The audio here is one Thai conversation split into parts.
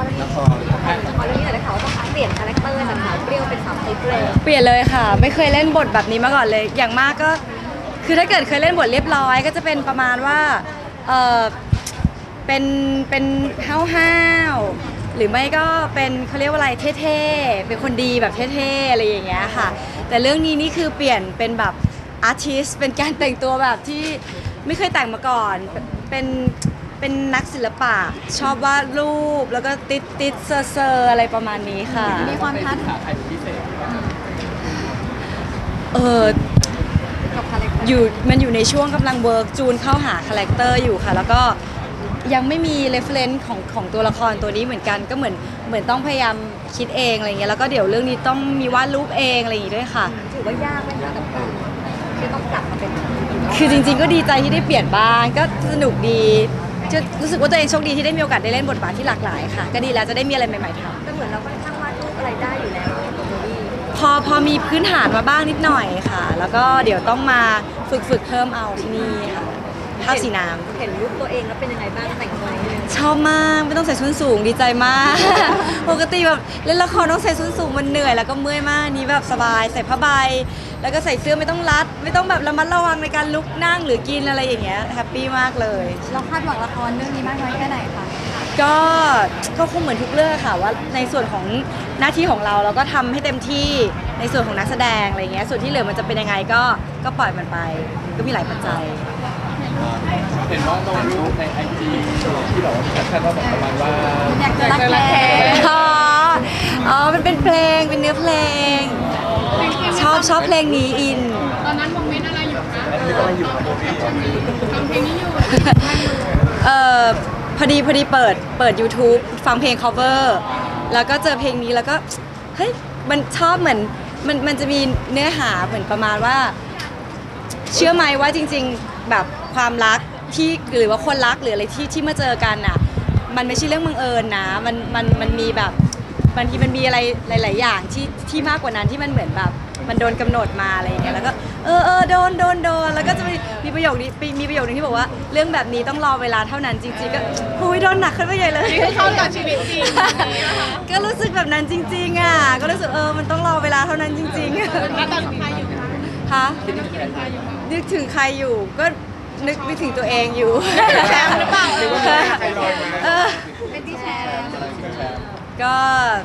รเรื่องนี้หน่อยนะคะว่าต้องเปลี่ยนคาแรคเตอร์จากสาวเปรี้ยวเป็นสาวไทยเปรี้ยวเปลี่ยนเลยค่ะไม่เคยเล่นบทแบบนี้มาก่อนเลยอย่างมากก็คือถ้าเกิดเคยเล่นบทเรียบร้อยก็จะเป็นประมาณว่าเออเป็นห้าวๆหรือไม่ก็เป็นเขาเรียกว่าอะไรเท่ๆเป็นคนดีแบบเท่ๆอะไรอย่างเงี้ยค่ะแต่เรื่องนี้นี่คือเปลี่ยนเป็นแบบอาร์ติสเป็นการแต่งตัวแบบที่ไม่เคยแต่งมาก่อนเป็นนักศิลปะชอบวาดรูปแล้วก็ติดเซอร์อะไรประมาณนี้ค่ะมีความท้าทาย กับคาแรคเตอร์มันอยู่ในช่วงกำลังเวิร์กจูนเข้าหาคาแรคเตอร์อยู่ค่ะแล้วก็ยังไม่มีเรฟเฟรนซ์ของตัวละครตัวนี้เหมือนกันก็เหมือนต้องพยายามคิดเองอะไรเงี้ยแล้วก็เดี๋ยวเรื่องนี้ต้องมีวาดรูปเองอะไรอย่างงี้ด้วยค่ะถือว่ายากไหมคะกับการที่ต้องกลับมาเป็นคือจริงๆก็ดีใจที่ได้เปลี่ยนบ้างก็สนุกดีจะรู้สึกว่าตัวเองโชคดีที่ได้มีโอกาสได้เล่นบทบาทที่หลากหลายค่ะก็ดีแล้วจะได้มีอะไรใหม่ๆทำก็เหมือนเราค่อนข้างวาดรูปอะไรได้อยู่แล้วตัวนี้พอมีพื้นฐานมาบ้างนิดหน่อยค่ะ แล้วก็เดี๋ยวต้องมาฝึกเพิ่มเอาที่นี่ค่ะภาพสีน้ำเห็นรูปตัวเองแล้วเป็นยังไงบ้างแต่งตัวนี้ชอบมากไม่ต้องใส่ส้นสูงดีใจมาก ปกติแบบเล่นละครต้องใส่ส้นสูงมันเหนื่อยแล้วก็เมื่อยมากนี้แบบสบายใส่ผ้าใบแล้วก็ใส่เสื้อไม่ต้องรัดไม่ต้องแบบระมัดระวังในการลุกนั่งหรือกินอะไรอย่างเงี้ยแฮปปี้มากเลยเราคาดหวังละครเรื่องนี้มากน้อยแค่ไหนคะก็คงเหมือนทุกเรื่องค่ะว่าในส่วนของหน้าที่ของเราก็ทำให้เต็มที่ในส่วนของนักแสดงอะไรเงี้ยส่วนที่เหลือมันจะเป็นยังไงก็ปล่อยมันไปก็มีหลายปัจจัยเห็นว่าลงรูปในไอจีที่แบบว่าแคปชั่นว่าแบบประมาณว่าอยากจะรักแท้มันเป็นเพลงเป็นเนื้อเพลงชอบเพลงนี้อินตอนนั้นโมเมนต์อะไรอยู่คะฟังเพลงนี้อยู่พอดีเปิด YouTube ฟังเพลง cover แล้วก็เจอเพลงนี้แล้วก็เฮ้ยมันชอบเหมือนมันจะมีเนื้อหาเหมือนประมาณว่าเชื่อไหมว่าจริงๆแบบความรักที่หรือว่าคนรักหรืออะไรที่มาเจอกันอ่ะมันไม่ใช่เรื่องบังเอิญนะมันมีแบบบางทีมันมีอะไรหลายๆอย่างที่มากกว่านั้นที่มันเหมือนแบบมันโดนกำหนดมาอะไรอย่างเงี้ยแล้วก็โดนแล้วก็จะมีประโยคนึงที่บอกว่าเรื่องแบบนี้ต้องรอเวลาเท่านั้นจริงๆก็หุยโดนหนักขึ้นไปใหญ่เลยเข้ากับชีวิตจริงก็รู้สึกแบบนั้นจริงๆอ่ะก็รู้สึกมันต้องรอเวลาเท่านั้นจริงๆแล้วตอนใครอยู่คะนึกถึงใครอยู่ก็นึกถึงตัวเองอยู่แชมป์หรือเปล่าเป็นที่แชร์ก็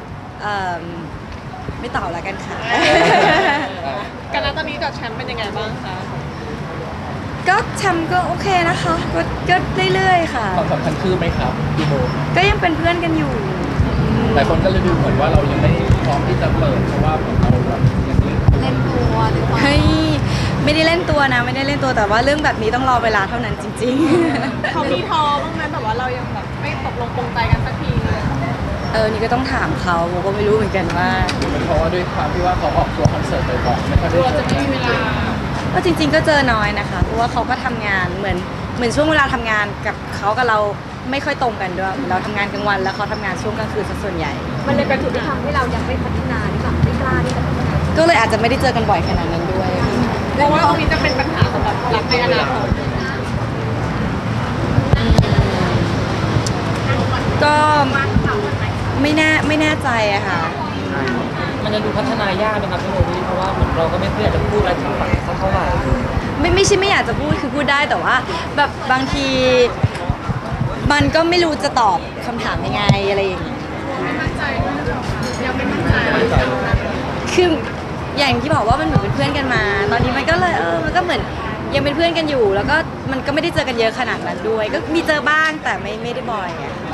ไม่ตอบแล้วกันค่ะกันแล้วตอนนี้กับแชมป์เป็นยังไงบ้างคะก็แชมป์ก็โอเคนะคะก็เรื่อยๆค่ะความสัมพันธ์คือไหมครับพี่โบก็ยังเป็นเพื่อนกันอยู่หลายคนก็เลยดูเหมือนว่าเรายังไม่พร้อมที่จะเปิดเพราะว่าเราแบบยังเล่นตัวหรือว่าไม่ได้เล่นตัวนะไม่ได้เล่นตัวแต่ว่าเรื่องแบบนี้ต้องรอเวลาเท่านั้นจริงๆเขามีท้อบ้างไหมแต่ว่าเรายังแบบไม่ตกลงปรงใจกันสักทีนี่ก็ต้องถามเขาผมก็ไม่รู้เหมือนกันว่าเพราะว่าด้วยความที่ว่าเขาออกตัวคอนเสิร์ตบ่อยๆไม่ค่อยได้จะไม่มีเวลาก็จริงๆก็เจอน้อยนะคะเพราะว่าเขาก็ทำงานเหมือนช่วงเวลาทำงานกับเขากับเราไม่ค่อยตรงกันด้วยเราทำงานกลางวันแล้วเขาทำงานช่วงกลางคืนส่วนใหญ่มันเลยเป็นจุดที่ทำให้เรายังไม่พัฒนาหรือเปล่าไม่กล้าที่จะพัฒนาก็เลยอาจจะไม่ได้เจอกันบ่อยขนาดนั้นด้วยเพราะว่าตรงนี้จะเป็นปัญหาสำหรับรักในอนาคตก็ไม่แน่ใจอะค่ะมันจะดูพัฒนายากไหมครับพี่โมวี่เพราะว่าเหมือนเราก็ไม่ค่อยอยากจะพูดอะไรถึงฝั่งสักเท่าไหร่ไม่ใช่ไม่อยากจะพูดคือพูดได้แต่ว่าแบบบางทีมันก็ไม่รู้จะตอบคำถามยังไงอะไรอย่างเงี้ยไม่มั่นใจยังไม่มั่นใจคืออย่างที่บอกว่ามันเหมือนเป็นเพื่อนกันมาตอนนี้มันก็เลยมันก็เหมือนยังเป็นเพื่อนกันอยู่แล้วก็มันก็ไม่ได้เจอกันเยอะขนาดนั้นด้วยก็มีเจอบ้างแต่ไม่ได้บ่อย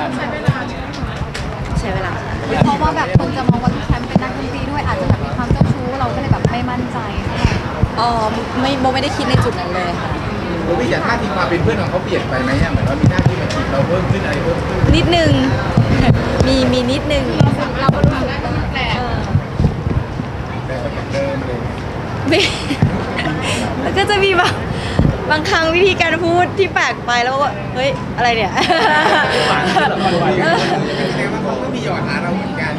ใช้เวลาเพราะว่าแบบคนจะมองว่าแชมป์เป็นนักดนตรีด้วยอาจจะแบบมีความเจ้าชู้เราก็เลยแบบไม่มั่นใจไม่ได้คิดในจุดนั้นเลยค่ะโบวี่จากท่าทีความเป็นเพื่อนของเขาเปลี่ยนไปไหมเหมือนว่ามีหน้าที่มาจีบเราเพิ่มขึ้นอะไรเพิ่มขึ้นนิดนึงมีนิดนึงเราก็รู้สึกได้ว่ามันแปลกแต่ก็อย่างเดิมเลยแล้วก็จะมีบางครั้งวิธีการพูดที่แปลกไปแล้วก็เฮ้ยอะไรเนี่ยหวานขึ้นหรอหวานขึ้นแสดงว่าเขาก็มีหยอดหาเราเหมือนกัน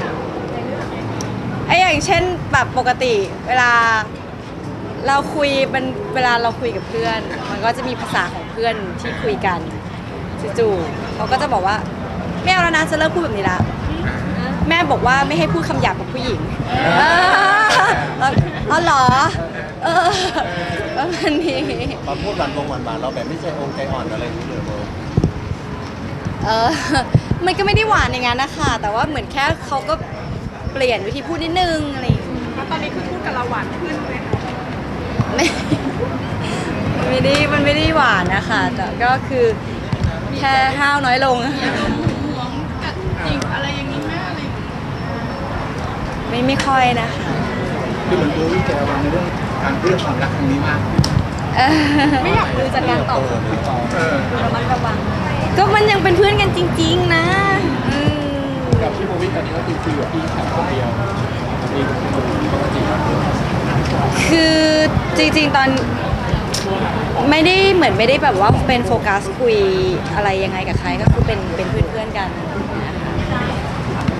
อย่างเช่นแบบปกติเวลาเราคุยเวลาเราคุยกับเพื่อนมันก็จะมีภาษาของเพื่อนที่คุยกันจู่ๆเขาก็จะบอกว่าไม่เอาแล้วนะจะเลิกพูดแบบนี้ละแม่บอกว่าไม่ให้พูดคำหยาบกับผู้หญิงอ๋อเหรอประมาณนี้มาพูดหวานเราแบบไม่ใจองใจอ่อนอะไรอย่างนี้เลยโบมันก็ไม่ได้หวานอย่างนั้นนะคะแต่ว่าเหมือนแค่เขาก็เปลี่ยนวิธีพูดนิดนึงอะไรอย่างเงี้ยแล้วตอนนี้คือพูดกับเราหวานขึ้นเลยค่ะไม่มันไม่ได้หวานนะคะแต่ก็คือแค่ห้าวน้อยลงหวงกัดจิกอะไรอย่างนี้แม่อะไรอย่างงี้ไม่ค่อยนะคะคือเหมือนโบวี่จะระวังในเรื่องความรักครั้งนี้มากไม่อยากดูจากการตอบระมัดระวังก็มันยังเป็นเพื่อนกันจริงๆนะกับพี่โบวี่ตอนนี้ก็คืออยู่ที่แค่คนเดียวเองปกติคือจริงๆตอนไม่ได้แบบว่าเป็นโฟกัสคุยอะไรยังไงกับใครก็คือเป็นเพื่อนๆกัน